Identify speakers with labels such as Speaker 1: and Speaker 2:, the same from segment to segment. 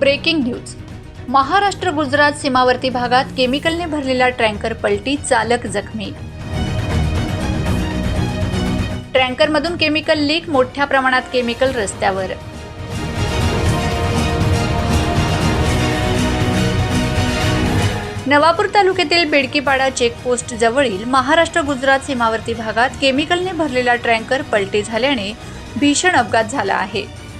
Speaker 1: Breaking news. Maharashtra Gujarat सीमावर्ती भागात केमिकलने भरलेला टँकर पलटी, चालक जखमी। टँकरमधून केमिकल लीक, मोठ्या प्रमाणात केमिकल रस्त्यावर। नवापूर तालुक्यातील बेडकीपाडा चेकपोस्ट जवळील महाराष्ट्र गुजरात सीमावर्ती भागात केमिकलने भरलेला टँकर पलटी झाल्याने भीषण अपघात झाला आहे।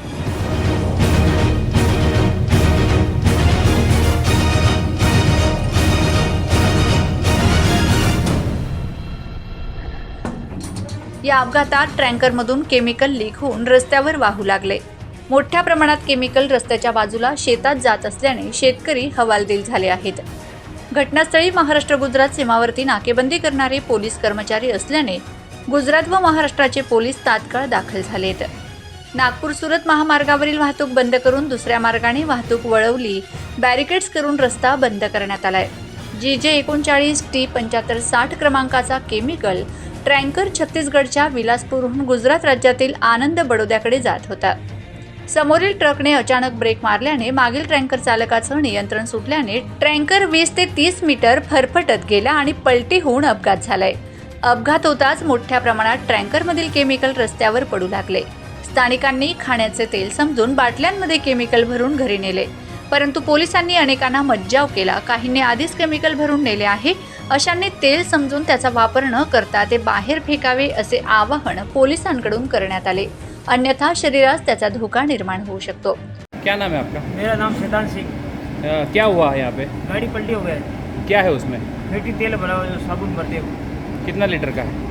Speaker 1: या अपघातात टँकरमधून केमिकल लीक होऊन रस्त्यावर वाहू लागले। मोठ्या प्रमाणात केमिकल रस्त्याच्या बाजूला शेतात जात असल्याने शेतकरी हवालदिल झाले आहेत। घटनास्थळी महाराष्ट्र गुजरात सीमावर्ती नाकेबंदी करणारे पोलीस कर्मचारी असल्याने गुजरात व महाराष्ट्राचे पोलीस तात्काळ दाखल झालेत। नागपूर सुरत महामार्गावरील वाहतूक बंद करून दुसऱ्या मार्गाने वाहतूक वळवली। बॅरिकेड्स करून रस्ता बंद करण्यात आलाय। GJ 39 T 7560 क्रमांकाचा केमिकल टँकर छत्तीसगडच्या विलासपूरहून गुजरात राज्यातील आनंद बडोद्याकडे जात होता। समोरील ट्रकने अचानक ब्रेक मारल्याने मागील टँकर चालकाचं नियंत्रण सुटल्याने टँकर 20 ते 30 मीटर फरफटत गेला आणि पलटी होऊन अपघात झालाय। अपघात होताच मोठ्या प्रमाणात टँकरमधील केमिकल रस्त्यावर पडू लागले। स्थानिकांनी खाण्याचे तेल समजून बाटल्यांमध्ये केमिकल भरून घरी नेले, परंतु पोलिसांनी अनेकांना मज्जाव केला। काहींनी आधीच केमिकल भरून नेले आहे, अशांनी तेल समजून त्याचा वापर न करता ते बाहेर फेकावे असे आवाहन पोलिसांकडून करण्यात आले, अन्यथा शरीरास त्याचा धोका निर्माण होऊ शकतो।
Speaker 2: क्या नाम है आपका?
Speaker 3: मेरा नाम शैतान सिंह।
Speaker 2: क्या हुआ है यहाँ पे?
Speaker 3: गाड़ी पलटी हो गया है।
Speaker 2: क्या है उसमें?
Speaker 3: फेटी तेल भरा हुआ जो साबुन भरते हो।
Speaker 2: कितना लीटर का है?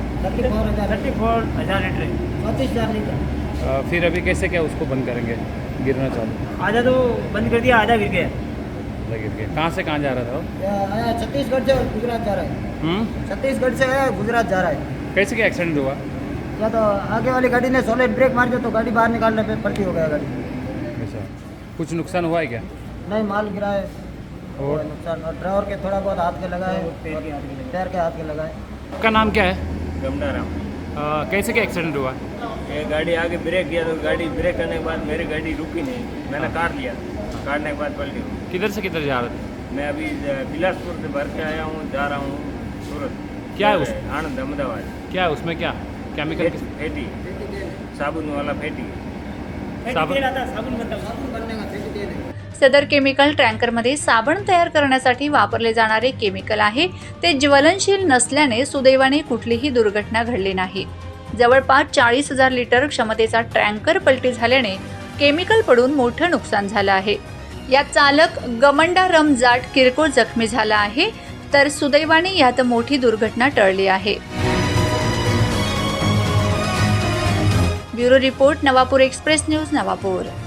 Speaker 3: 34,000 लीटर है।
Speaker 4: 35,000 लीटर।
Speaker 2: फिर अभी कैसे क्या उसको बंद करेंगे? गिरना चालू?
Speaker 3: आधा तो बंद कर दिया, आधा गिर गया।
Speaker 2: गिर गया। कहाँ से कहाँ जा रहा था वो?
Speaker 4: आया छत्तीसगढ़ से गुजरात जा रहा है। छत्तीसगढ़ से आया गुजरात जा रहा है।
Speaker 2: कैसे क्या एक्सीडेंट हुआ?
Speaker 4: या तो आगे वाली गाड़ी ने सॉलिड ब्रेक मार दिया तो गाड़ी बाहर निकालने पे पलटी हो गया गाड़ी।
Speaker 2: ऐसा कुछ नुकसान हुआ है क्या?
Speaker 4: नहीं, माल गिरा है
Speaker 2: और
Speaker 4: नुकसान, और ड्राइवर के थोड़ा बहुत हाथ के लगा है, पैर के हाथ के लगा है।
Speaker 2: आपका नाम क्या है?
Speaker 3: गमडाराम।
Speaker 2: कैसे क्या एक्सीडेंट हुआ?
Speaker 3: ये गाड़ी आगे ब्रेक किया तो गाड़ी ब्रेक करने के बाद मेरी गाड़ी रुकी नहीं, मैंने काट लिया। काटने के बाद पलटी हुई।
Speaker 2: किधर से किधर जा रहे थे?
Speaker 3: मैं अभी बिलासपुर से भर के आया हूँ, जा रहा हूँ सूरत।
Speaker 2: क्या है उस
Speaker 3: आनंद अहमदाबाद।
Speaker 2: क्या है उसमें? क्या केमिकल?
Speaker 3: फेटी साबुन वाला फेटी
Speaker 2: साबुन
Speaker 4: बनने का फेंक दिए नहीं।
Speaker 1: सदर केमिकल टँकरमध्ये साबण तयार करण्यासाठी वापरले जाणारे केमिकल आहे। ते ज्वलनशील नसल्याने सुदैवाने कुठलीही दुर्घटना घडली नाही। जवळपास 40,000 लिटर क्षमतेचा टँकर पलटी झाल्याने केमिकल पडून मोठं नुकसान झालं आहे। या चालक गमंडा रमजाट किरकोळ जखमी झाला आहे, तर सुदैवाने यात मोठी दुर्घटना टळली आहे। Bureau report, Navapur express news, Navapur.